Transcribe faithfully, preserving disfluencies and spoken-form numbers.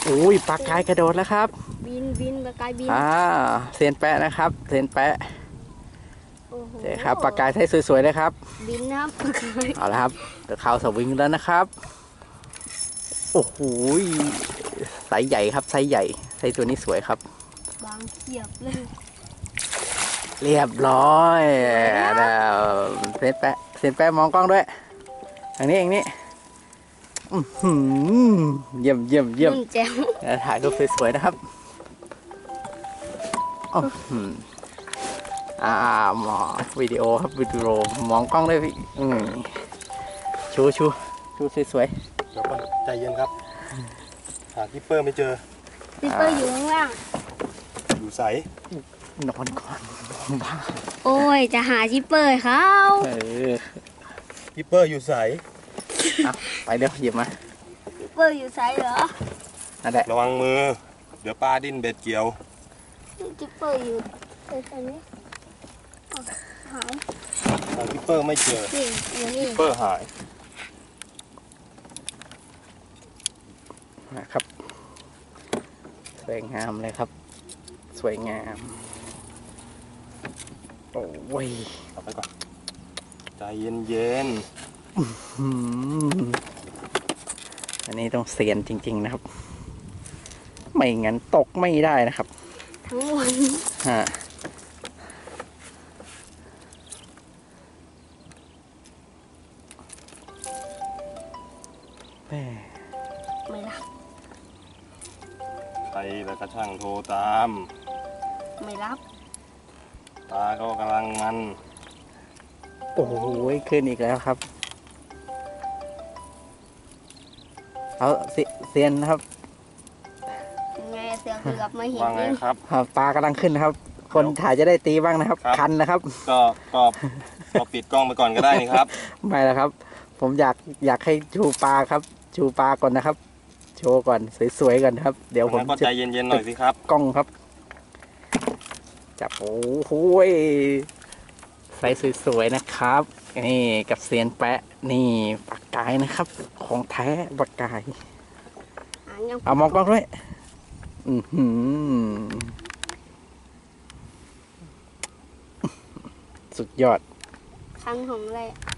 อุ้ยปลากายกระโดดแล้วครับบินบินปลากายบินอ่าเซียนแปะนะครับเซียนแปะโอ้โหเจ๊ครับปลากายใช้สวยๆเลยครับบินนะครับปลากายเอาละครับเดี๋ยวเข้าสวิงแล้วนะครับโอ้โหไซส์ใหญ่ครับไซส์ใหญ่ไซส์ตัวนี้สวยครับบางเขียบเลยเรียบร้อยแล้วเซียนแปะเซียนแปะมองกล้องด้วยทางนี้เองนี่เยี่ยมเยี่ยมเยี่ยมแจ๋วถ่ายรูปสวยๆนะครับอ่าหมอวิดีโอครับวิดีโอมองกล้องด้วยพี่ชูชูชูสวยๆเดี๋ยวก่อนใจเย็นครับหาคิปเปอร์ไม่เจอคิปเปอร์อยู่ข้างล่างอยู่ใสนอนก่อนบ้าโอ้ยจะหาคิปเปอร์เขาคิปเปอร์อยู่ใสไปเดี๋ยวหยิบมาคิปเปอร์อยู่ใสเหรอนั่นแหละระวังมือเดี๋ยวปลาดิ้นเบ็ดเกี่ยวคิปเปอร์อยู่ตรงนี้หายหาคิปเปอร์ไม่เจอคิปเปอร์หายนะครับสวยงามเลยครับสวยงามโอ้ยเอาไปก่อนใจเย็นเย็นอันนี้ต้องเซียนจริงๆนะครับไม่งั้นตกไม่ได้นะครับทั้งวันฮะไม่รับใครแล้วก็ช่างโทรตามไม่รับตาก็กำลังมันโอ้โหขึ้นอีกแล้วครับเอาเซียนนะครับไงเสือเกือบไม่เห็นว่าไงครับปลากำลังขึ้นนะครับคนถ่ายจะได้ตีบ้างนะครับคันนะครับก็ก็ก็ปิดกล้องไปก่อนก็ได้นี่ครับไม่แล้วครับผมอยากอยากให้ชูปลาครับชูปลาก่อนนะครับโชว์ก่อนสวยๆก่อนครับเดี๋ยวผมก็ใจเย็นๆหน่อยสิครับกล้องครับจับโอ้โหใส่สวยๆนะครับนี่กับเซียนแปะนี่ปลากายนะครับของแท้ปลากายเอามองกล้องด้วยอือหือสุดยอดคันผมเลย